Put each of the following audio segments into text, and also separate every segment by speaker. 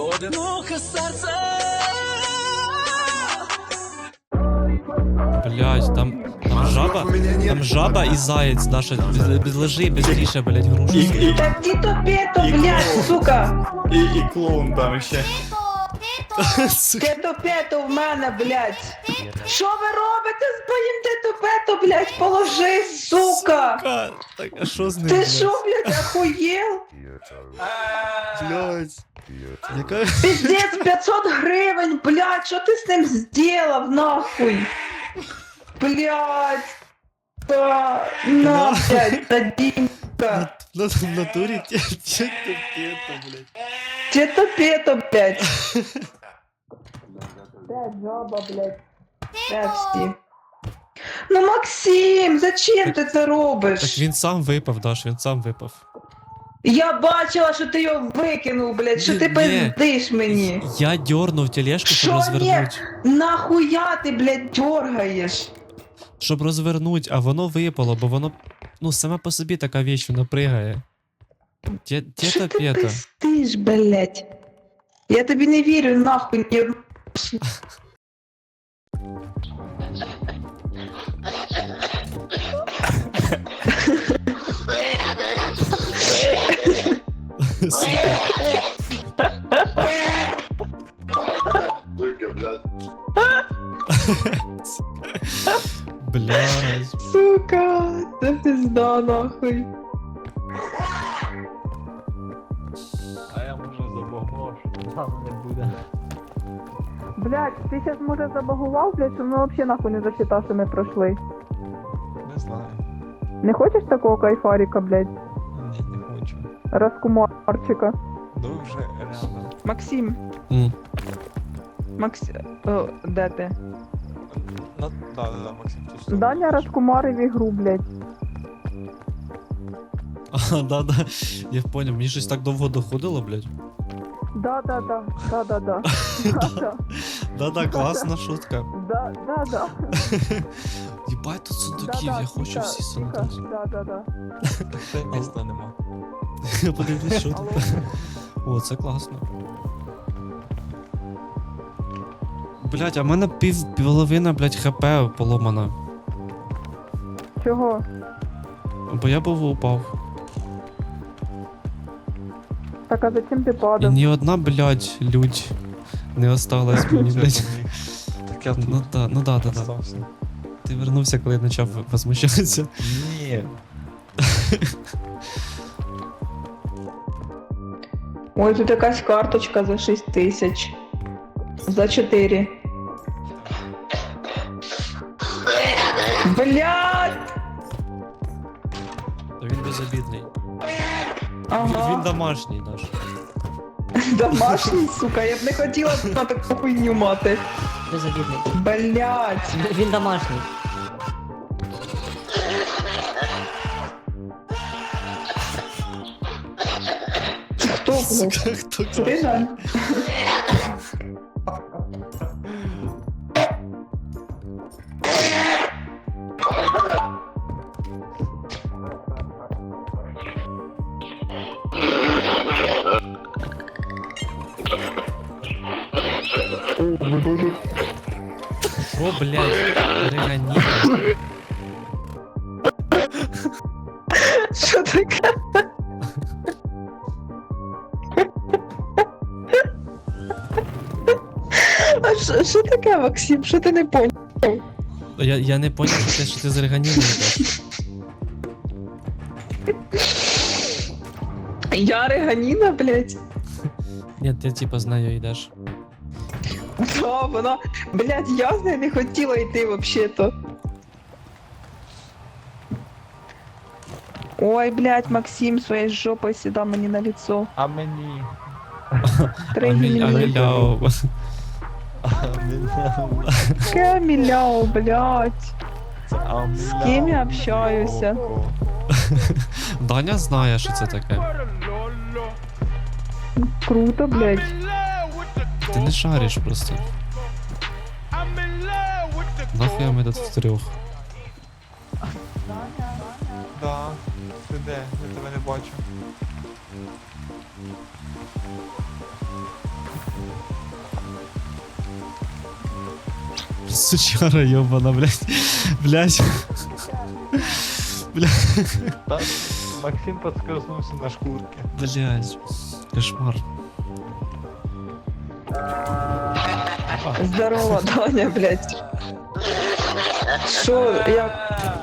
Speaker 1: одиноке серце.
Speaker 2: Блядь, там жаба і заєць, Даша, лежи быстріше, блядь, грушу.
Speaker 3: Так тито-пето, блядь, сука!
Speaker 4: І клоун там ще.
Speaker 3: Тито-пето в мене, блядь! Що ви робите з моїм тито-пето, блядь? Положи, сука!
Speaker 2: Так, а що з ним,
Speaker 3: Ти
Speaker 2: блядь?
Speaker 3: що, блядь, охуєл?
Speaker 2: Блядь. Яка...
Speaker 3: Пиздец, 500 гривень, блядь, що ти з ним зробив, нахуй? Блядь! На, блядь, Надимка!
Speaker 2: В натурі тето-пето, блядь.
Speaker 3: Тито-пето, блядь! Де жаба, блядь? Де всі? Ну, Максим, зачем ти це робиш?
Speaker 2: Так він сам випав, Даш, він сам випав.
Speaker 3: Я бачила, що ти його викинув, блядь, що ти
Speaker 2: Ні.
Speaker 3: пиздиш мені.
Speaker 2: Я дьорнув тележку, щоб
Speaker 3: Що
Speaker 2: розвернуть.
Speaker 3: Нахуя ти, блядь, дергаєш?
Speaker 2: Щоб розвернуть, а воно випало, бо воно, ну, сама по собі така вещь, вона пригає.
Speaker 3: Що ти
Speaker 2: Тето-пето.
Speaker 3: пиздиш, блядь? Я тобі не вірю, нахуй, ні.
Speaker 2: Блядь.
Speaker 3: Сука, це пизда, нахуй.
Speaker 4: А я може забагав, що там не буде.
Speaker 3: Блядь, ти зараз може забагував, блядь, що ми взагалі нахуй не засчитав, що ми пройшли.
Speaker 4: Не знаю.
Speaker 3: Не хочеш такого кайфаріка, блядь?
Speaker 4: Ні, не хочу.
Speaker 3: Раскумарчика.
Speaker 4: Дуже реально.
Speaker 3: Максим. Де ти?
Speaker 4: Да, Максим, тут що?
Speaker 3: Даня розкумарив ігру, блядь.
Speaker 2: А, да. Я понял, мені щось так довго доходило, блядь.
Speaker 3: Да.
Speaker 2: Да, класна шутка.
Speaker 3: Да.
Speaker 2: Єбать тут сундуків, я хочу всі сундуки.
Speaker 3: Да.
Speaker 4: Це міста нема.
Speaker 2: Я подивлюсь, що тут. О, це класно. Блядь, а в мене половина, блядь, хп поломана.
Speaker 3: Чого?
Speaker 2: Бо я був упав.
Speaker 3: Так, а зачем ти
Speaker 2: І
Speaker 3: падав?
Speaker 2: ні одна, блядь, людь не осталась мені, блядь.
Speaker 4: Так я тут
Speaker 2: Ну да.
Speaker 4: остався.
Speaker 2: Ти вернувся, коли я почав возмущатися.
Speaker 4: Ні.
Speaker 3: Ой, тут якась карточка за 6 тисяч. За 4. Блядь!
Speaker 2: Він безобідний.
Speaker 3: Ага.
Speaker 2: Він домашній наш.
Speaker 3: Домашній, сука, я б не хотіла на таку хуйню мати.
Speaker 5: Безобідний.
Speaker 3: Блядь!
Speaker 5: Він домашній.
Speaker 3: Хто, блядь?
Speaker 2: Хто це?
Speaker 3: Ти, Жан?
Speaker 2: Що, блядь, регані?
Speaker 3: Що таке? А що таке, Максим? Що ти не поняв?
Speaker 2: Я не поняв, що ти з реганіною йдеш.
Speaker 3: Я Реганіна, блядь.
Speaker 2: Ні, ти типа з нею йдеш.
Speaker 3: Да, вона, блядь, я з нею не хотіла йти вообще-то. Ой, блядь, Максим своєю жопою сюди мені на лицо.
Speaker 4: А мені.
Speaker 3: Тригілі.
Speaker 2: Аміляу.
Speaker 3: Каміляу, блядь.
Speaker 4: З
Speaker 3: ким я общаюся?
Speaker 2: Даня знає, що це таке.
Speaker 3: Круто, блядь.
Speaker 2: Ти не шариш просто. Нахуя ми тут втрьох?
Speaker 4: Да. Ти де? Я тебе не бачу.
Speaker 2: Сучара ёбана, блядь. Блядь.
Speaker 4: Та Максим подскользнувся на шкурки.
Speaker 2: Блядь. Кошмар.
Speaker 3: Здорово, Доня, блядь. Що, як?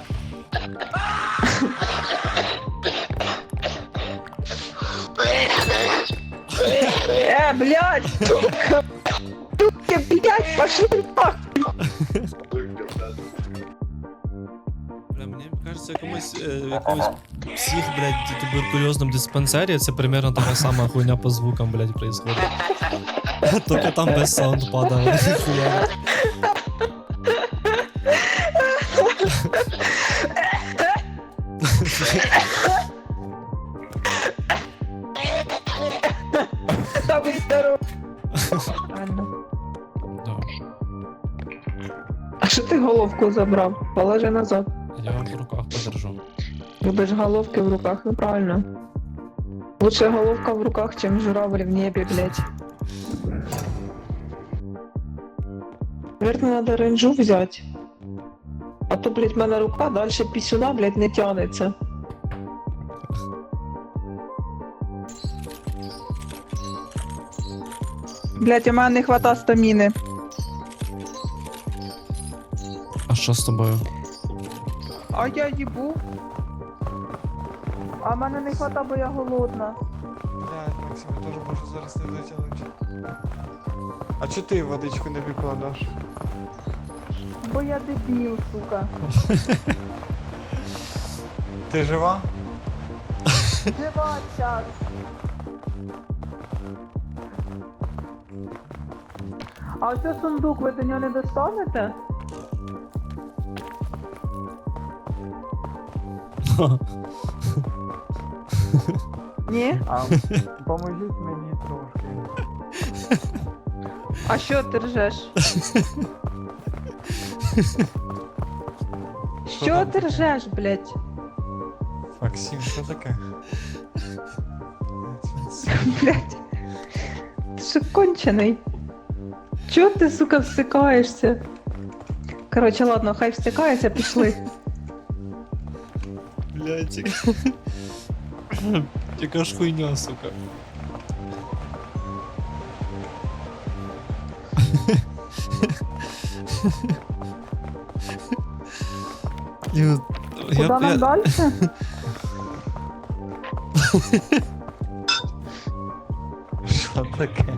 Speaker 3: Блядь, сука. Сука, блядь, пошли нахуй.
Speaker 2: Бля, мені кажется, якомусь псих, блядь, туберкульозному диспансері це примерно така сама хуйня по звукам, блядь, происходит. Только там без саундпада, блядь, хуя.
Speaker 3: Та ви здорово. Ладно.
Speaker 2: Да.
Speaker 3: А що ти головку забрав? Положи назад.
Speaker 2: Я вам в руках подержу.
Speaker 3: Любиш головки в руках, ну правильно. Лучше головка в руках, чем журавль в небе, блядь. Наверное, надо ренджу взять. А то, блядь, в мене рука дальше пісюна, блядь, не тянеться. Блядь, у мене не хвата стаміни.
Speaker 2: А що з тобою?
Speaker 3: А я їбу. А мене не хвата, бо я голодна.
Speaker 4: Блядь, Максим, я теж можу зараз не дотягнути. А чо ти водичку не викладаш?
Speaker 3: Бо я дебіл, сука.
Speaker 4: Ти жива?
Speaker 3: Жива час. А оце сундук, ви до нього не достанете? Ні?
Speaker 4: А поможіть мені трошки.
Speaker 3: А що ти ржеш? Що ти ржеш, блядь?
Speaker 4: Максим, що таке?
Speaker 3: Блядь. Ти що кончений? Чого ти, сука, всикаєшся? Короче, ладно, хай всикається, пішли.
Speaker 2: Блядь, яка ж хуйня, сука.
Speaker 3: Куди нам далі?
Speaker 4: Що таке?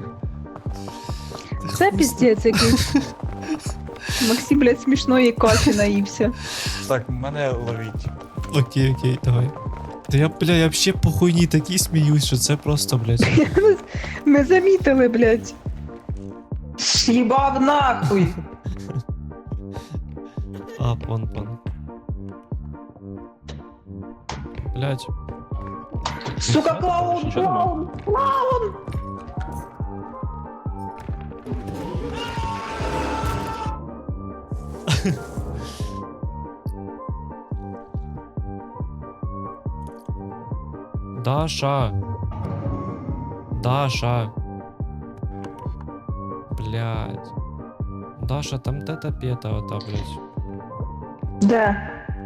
Speaker 3: Це піздець якийсь. Максим, блядь, смішної каші наївся.
Speaker 4: Так, мене ловіть.
Speaker 2: Окей, давай. Та я, бля, я вообще по хуйні такій сміюсь, що це просто, блядь.
Speaker 3: Ми замітили, блядь. Їбав нахуй.
Speaker 2: А, пон. Блядь.
Speaker 3: Сука, клоун,
Speaker 2: Що ти думав?
Speaker 3: клоун.
Speaker 2: Даша. Блядь. Даша, там тета пета ота, блядь.
Speaker 3: Де?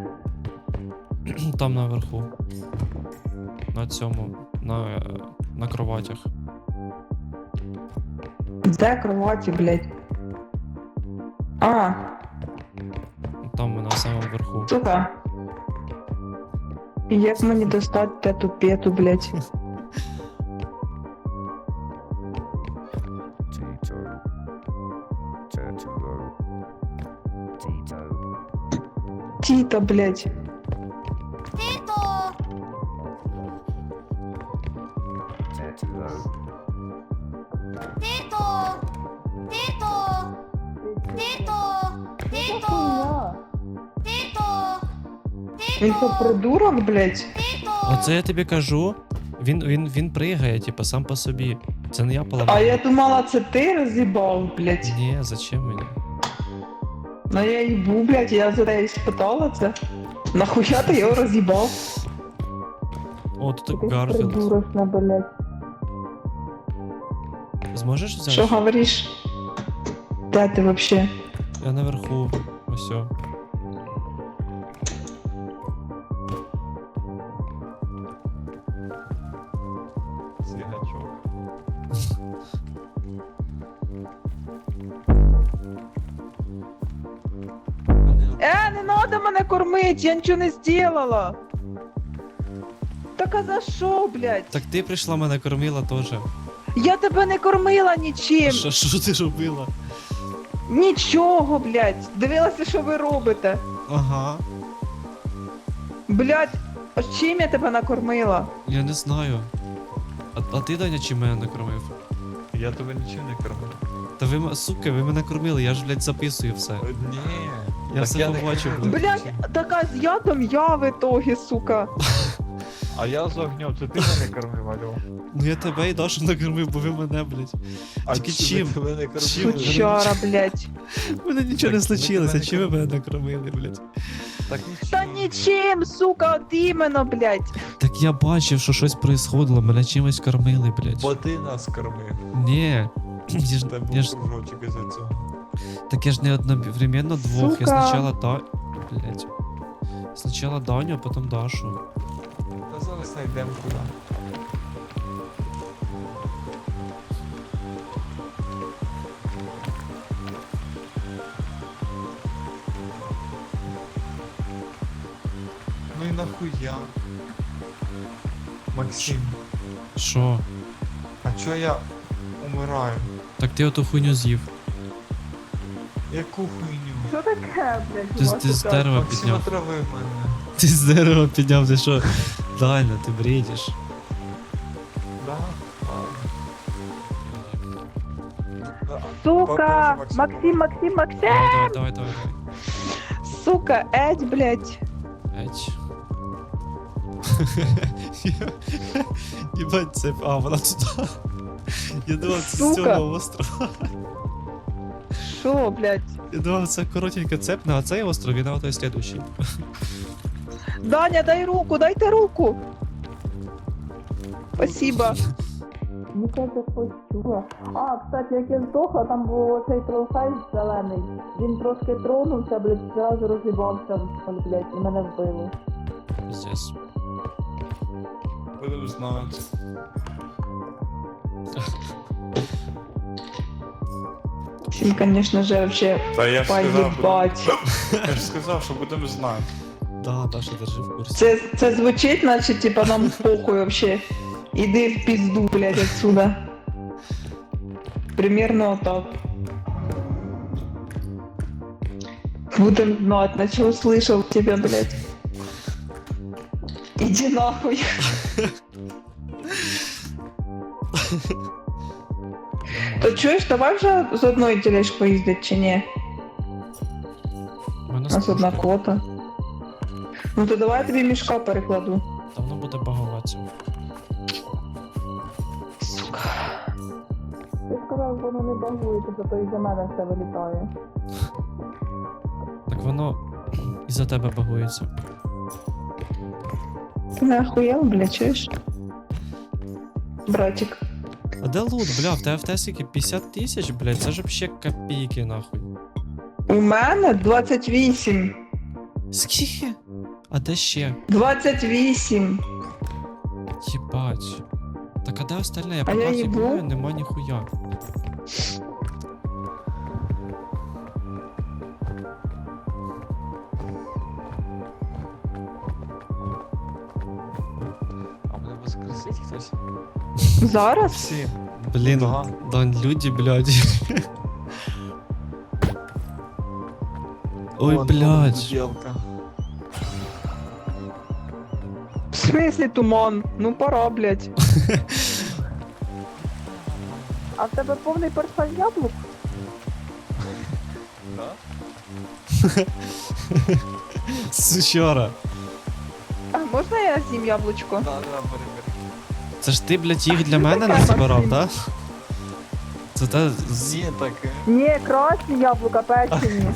Speaker 2: Там наверху. На цьому. На кроватях.
Speaker 3: Де кроваті, блядь? А,
Speaker 2: Там на самому верху.
Speaker 3: сука. Як мені достати тету пету, блядь? Тіта, блядь. Він що, придурок, блядь?
Speaker 2: Оце я тобі кажу. Він пригає, типа, сам по собі. Це не я поламав.
Speaker 3: А я думала, це ти роз'їбав, блядь.
Speaker 2: Ні, зачем мені?
Speaker 3: Ну я їбу, блядь, я за неї спитала це. Нахуя ти його роз'їбав?
Speaker 2: О, тут
Speaker 3: Якийсь
Speaker 2: Гарфілд.
Speaker 3: придурочна, блядь.
Speaker 2: Зможеш взяти?
Speaker 3: Що говориш? Де ти вообще?
Speaker 2: Я наверху. Усьо.
Speaker 4: Свігачок.
Speaker 3: Не надо мене кормить, я нічого не зробила. Так а за що, блядь?
Speaker 2: Так ти прийшла, мене кормила теж.
Speaker 3: Я тебе не кормила нічим.
Speaker 2: Що ти робила?
Speaker 3: Нічого, блядь. Дивилася, що ви робите.
Speaker 2: Ага.
Speaker 3: Блядь, а чим я тебе накормила?
Speaker 2: Я не знаю. А ти, Даня, чим мене накормив?
Speaker 4: Я тебе нічим не кормив.
Speaker 2: Та ви, сука, ви мене кормили, я ж, блядь, записую все.
Speaker 4: Ні.
Speaker 2: Я
Speaker 4: так
Speaker 2: все
Speaker 4: не
Speaker 2: побачив,
Speaker 4: кормив.
Speaker 2: блядь.
Speaker 3: Блядь, така з ядом я в ітогі, сука.
Speaker 4: А я з огнем, це ти мене кормив, алло.
Speaker 2: Ну я тебе і Дашу накормив, бо ви мене, блядь.
Speaker 4: А
Speaker 2: Тільки
Speaker 4: чи
Speaker 2: чим?
Speaker 4: тебе не кормив?
Speaker 2: Чим?
Speaker 3: Сучара, блядь.
Speaker 2: У мене нічого
Speaker 4: Так
Speaker 2: не
Speaker 4: ви
Speaker 2: случилося,
Speaker 4: мене
Speaker 2: чим ви мене накормили, блядь?
Speaker 4: Так нічим.
Speaker 3: Та нічим, сука, от іменно, блядь.
Speaker 2: Так я бачив, що щось происходило, мене чимось кормили, блядь.
Speaker 4: Бо ти нас кормив.
Speaker 2: Ні. Я ж,
Speaker 4: Та
Speaker 2: я
Speaker 4: був
Speaker 2: ж,
Speaker 4: кружочок із-за цього.
Speaker 2: так я ж не одновременно двох. Я
Speaker 3: Сука.
Speaker 2: спочатку блядь. Спочатку Даню, а потім Дашу.
Speaker 4: Та зараз знайдемо куди. Ну і нахуя? Максим,
Speaker 2: Що?
Speaker 4: а чо я умираю?
Speaker 2: Так ти оту хуйню з'їв.
Speaker 4: Яку хуйню?
Speaker 3: Що таке, блядь?
Speaker 2: Ти, ти з дерева
Speaker 4: Максим
Speaker 2: підняв.
Speaker 4: отравив мене.
Speaker 2: Ти з дерева підняв, ти що? Даня, ти бредиш.
Speaker 4: Да? Да.
Speaker 3: Сука,
Speaker 4: Покажи,
Speaker 3: Максим.
Speaker 2: Давай.
Speaker 3: Сука, Едь, блядь.
Speaker 2: Еть. Єбать, це... А, вона туди. Я думав, це з
Speaker 3: Сука.
Speaker 2: цього острова.
Speaker 3: Що, блядь?
Speaker 2: Я думав, це коротенька цепна, а цей остров, він, а той слідущий.
Speaker 3: Даня, дай руку, дайте руку. Спасибо. Ну це почула. А, кстати, як я здохла, там був оцей тролхай зелений. Він трошки тронувся, блядь, зразу розібався, блядь, і мене вбили.
Speaker 2: Здесь.
Speaker 4: Будемо знати.
Speaker 3: Всім, конечно же, вообще
Speaker 4: Та я ж сказав,
Speaker 3: поїбать.
Speaker 4: я ж сказав, що будемо знати.
Speaker 2: Да, Даша, держи в курсі.
Speaker 3: Це звучить, наче, типа, нам похуй вообще. Іди в пизду, блядь, отсюда. Примерно так. Будем знать, на что услышал тебя, блядь. Иди нахуй. То чуєш, давай вже з одної тележки поїздить чи ні?
Speaker 2: У мене
Speaker 3: У нас одна
Speaker 2: скучно.
Speaker 3: квота. Ну то давай я тобі мішка перекладу.
Speaker 2: Та воно буде багуватися.
Speaker 3: Сука. Ти сказав, воно не багується, зато і за мене все вилітає.
Speaker 2: Так воно із-за тебе багується.
Speaker 3: Ти не охуєл, бля, чуєш? Братик.
Speaker 2: А де лут, бля, в тебе в те скільки? 50 тисяч, блядь, це ж вообще копійки, нахуй.
Speaker 3: У мене 28.
Speaker 2: Скільки? А де ще?
Speaker 3: 28.
Speaker 2: Єбать. Так а де остальне? Я по
Speaker 3: А я
Speaker 2: карті
Speaker 3: їбу.
Speaker 2: гуляю, нема ніхуя.
Speaker 4: А мене воскресить хтось?
Speaker 3: Зараз?
Speaker 4: Всі.
Speaker 2: Блін,
Speaker 4: Да.
Speaker 2: Дань, люди, блядь. Ой,
Speaker 4: Вон,
Speaker 2: блядь.
Speaker 4: Ділка.
Speaker 3: В смислі туман? Ну пора, блядь. А в тебе повний портфель яблук?
Speaker 4: Да?
Speaker 2: Сучара.
Speaker 3: А можна я з'їм яблучко?
Speaker 4: Да, перебір.
Speaker 2: Це ж ти, блядь, їх для мене не збирав, да? Це те...
Speaker 4: Ні, таке.
Speaker 3: Ні, красні яблука, печені.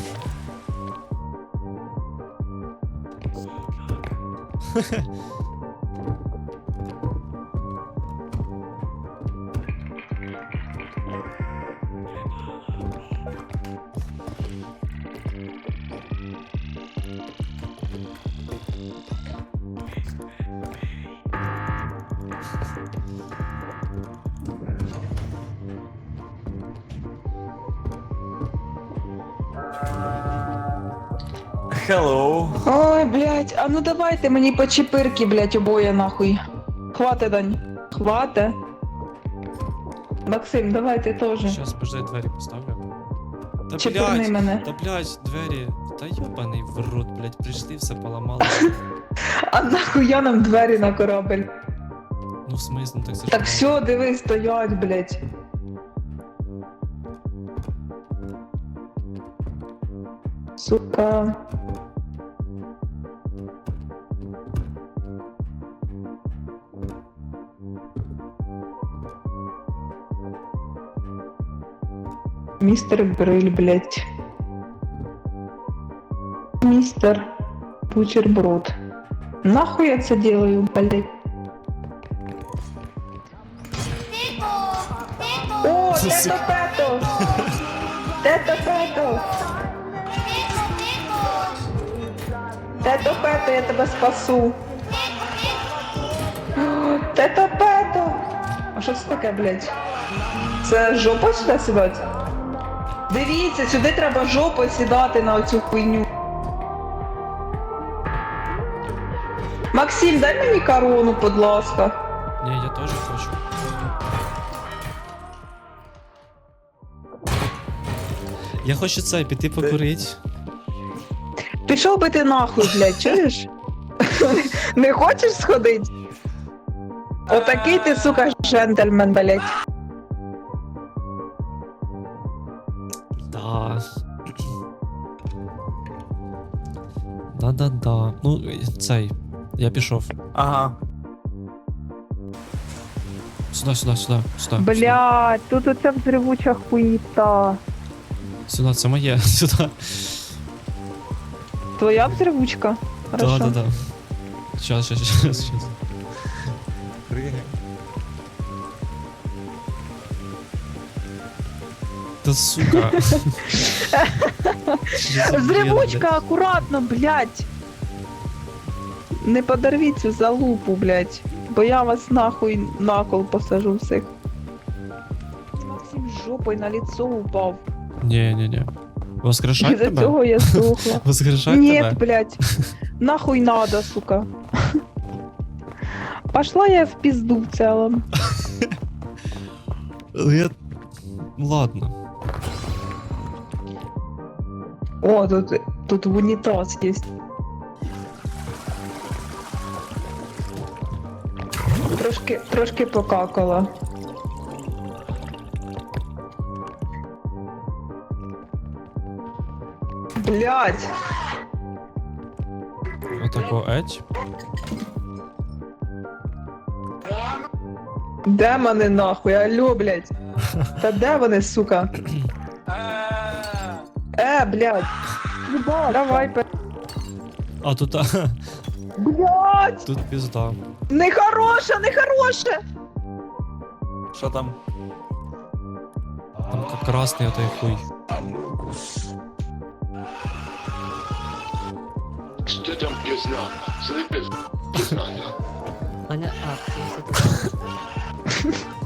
Speaker 4: Hello.
Speaker 3: Ой, блядь, а ну давайте мені по чепирки, блядь, обоє нахуй. Хвате, Дань. Хвате. Максим, давай ти теж.
Speaker 2: Щас, подожди, двері поставлю. Та
Speaker 3: Чепирни
Speaker 2: блядь,
Speaker 3: мене.
Speaker 2: та блядь, двері. Та йобаний в рот, блядь, прийшли, все поламали.
Speaker 3: А нахуя нам двері на корабель?
Speaker 2: Ну в смислі, ну так це ж
Speaker 3: Так
Speaker 2: мало.
Speaker 3: все, диви, стоять, блядь. Сука. Мистер Гриль, блядь. Мистер Бутерброд. Нахуй я це делаю, блядь? О,
Speaker 2: Сука.
Speaker 3: тето-пето! Тето-пето! Тето-пето, я тебе спасу! Тето-пето! А що це таке, блядь? Це жопа сюди сідати? Дивіться, сюди треба жопою сідати на оцю хуйню. Максим, дай мені корону, будь ласка.
Speaker 2: Ні, я теж хочу. Я хочу це, піти покурить.
Speaker 3: Пішов би ти нахуй, блядь, чуєш? Не хочеш сходить? Отакий ти, сука, джентльмен, блядь.
Speaker 2: Да. Да-да-да. Ну, цей. Я пішов.
Speaker 4: Ага.
Speaker 2: Сюди, сюди, сюди, сюди.
Speaker 3: Блядь, тут оця взривуча хуїта.
Speaker 2: Сюди, це моє. Сюди.
Speaker 3: Твоя взривучка? Хорошо.
Speaker 2: Да-да-да. Щас.
Speaker 4: Пригай.
Speaker 2: Та сука.
Speaker 3: Взривучка, акуратно, блядь. Не подорвіть цю залупу, блядь. Бо я вас нахуй на кол посажу всіх. Максим жопою на лицо упав.
Speaker 2: Ні. Воскрешать
Speaker 3: Із-за
Speaker 2: тебе?
Speaker 3: цього я сухла.
Speaker 2: Воскрешать
Speaker 3: Нет,
Speaker 2: тебе?
Speaker 3: блядь. Нахуй надо, сука. Пошла я в пизду в целом.
Speaker 2: Ну, я... Ладно.
Speaker 3: О, тут в унитаз есть. Трошки покакала. Блядь.
Speaker 2: Отако еть.
Speaker 3: Де вони нахуй? Алло, блядь. Та де вони, сука? Блядь. Давай,
Speaker 2: А тут...
Speaker 3: блядь.
Speaker 2: Тут пізда.
Speaker 3: Нехороше, нехороше.
Speaker 4: Що там?
Speaker 2: Там красний отой хуй.
Speaker 1: Что там пизна? Слышишь? Пизна,
Speaker 5: Аня, а, це